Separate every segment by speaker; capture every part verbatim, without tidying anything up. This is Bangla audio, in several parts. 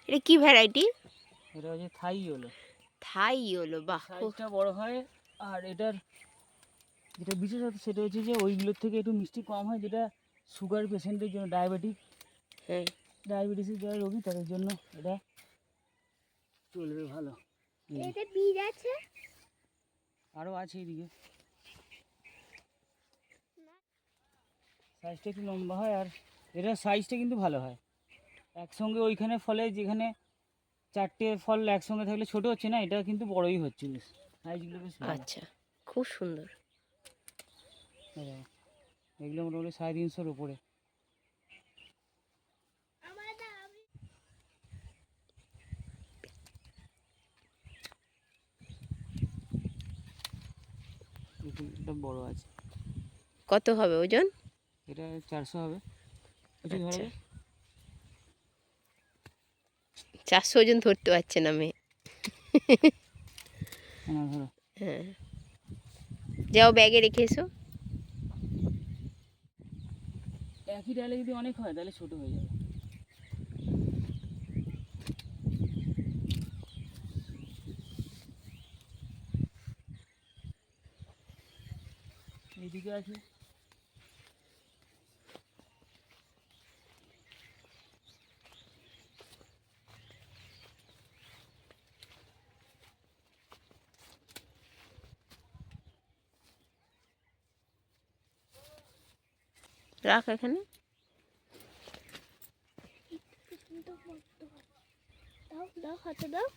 Speaker 1: এটা কি ভ্যারাইটি?
Speaker 2: এটা হচ্ছে থাই ইয়েলো।
Speaker 1: থাই ইয়েলো, বাহ,
Speaker 2: সাইজটা বড় হয়। আর এটার যেটা বিশেষত সেটা হচ্ছে যে ওইগুলোর থেকে একটু মিষ্টি কম হয়, যেটা সুগার পেশেন্টের জন্য, ডায়াবেটিক,
Speaker 1: হ্যাঁ,
Speaker 2: ডায়াবেটিসের যারা রোগী তাদের জন্য এটা চলবে ভালো।
Speaker 1: এটা বীজ আছে,
Speaker 2: আরও আছে এদিকে। সাইজটা একটু লম্বা হয় আর এটার সাইজটা কিন্তু ভালো হয়। একসঙ্গে ওইখানে ফলে যেখানে চারটে ফল একসঙ্গে থাকলে ছোট হচ্ছে না, এটা কিন্তু বড়ই হচ্ছে বেশ, সাইজগুলো বেশ ভালো।
Speaker 1: আচ্ছা, খুব সুন্দর।
Speaker 2: হ্যাঁ, এগুলো মোটামুটি সাড়ে তিনশোর উপরে। এটা বড় আছে।
Speaker 1: কত হবে ওজন?
Speaker 2: এটা চারশো হবে।
Speaker 1: আচ্ছা, চারশো ওজন ধরতে পারছে না মেয়ে। হ্যাঁ, যাও ব্যাগে রেখে এসো।
Speaker 2: একই ডালে যদি অনেক হয় তাহলে ছোট হয়ে যাবে। এইদিকে আছে
Speaker 1: রাখ এখানে। দাও দাও, হাতে দাও।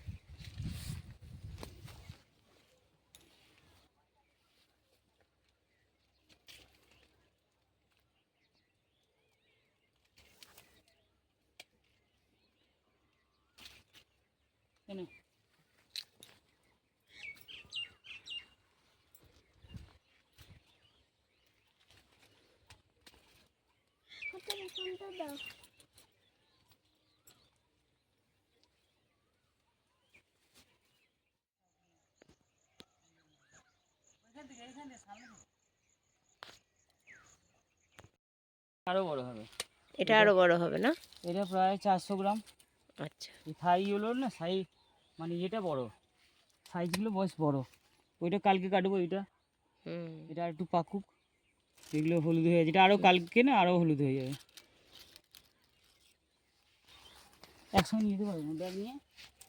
Speaker 2: এনে
Speaker 1: দাও।
Speaker 2: আরো বড় হবে।
Speaker 1: এটা আরো বড় হবে না?
Speaker 2: এটা প্রায় চারশো গ্রাম।
Speaker 1: আচ্ছা,
Speaker 2: এই থাই হলো না, সাই মানে এটা বড়, সাইজগুলো বেশ বড়। ওইটা কালকে কাটবো, এটা
Speaker 1: হুম,
Speaker 2: এটা একটু পাকুক, এগুলো হলুদ হয়ে যাবে। এটা আরও কালকে না আরও হলুদ হয়ে যাবে। একসঙ্গে নিতে পারবো না, ব্যাগ নিয়ে।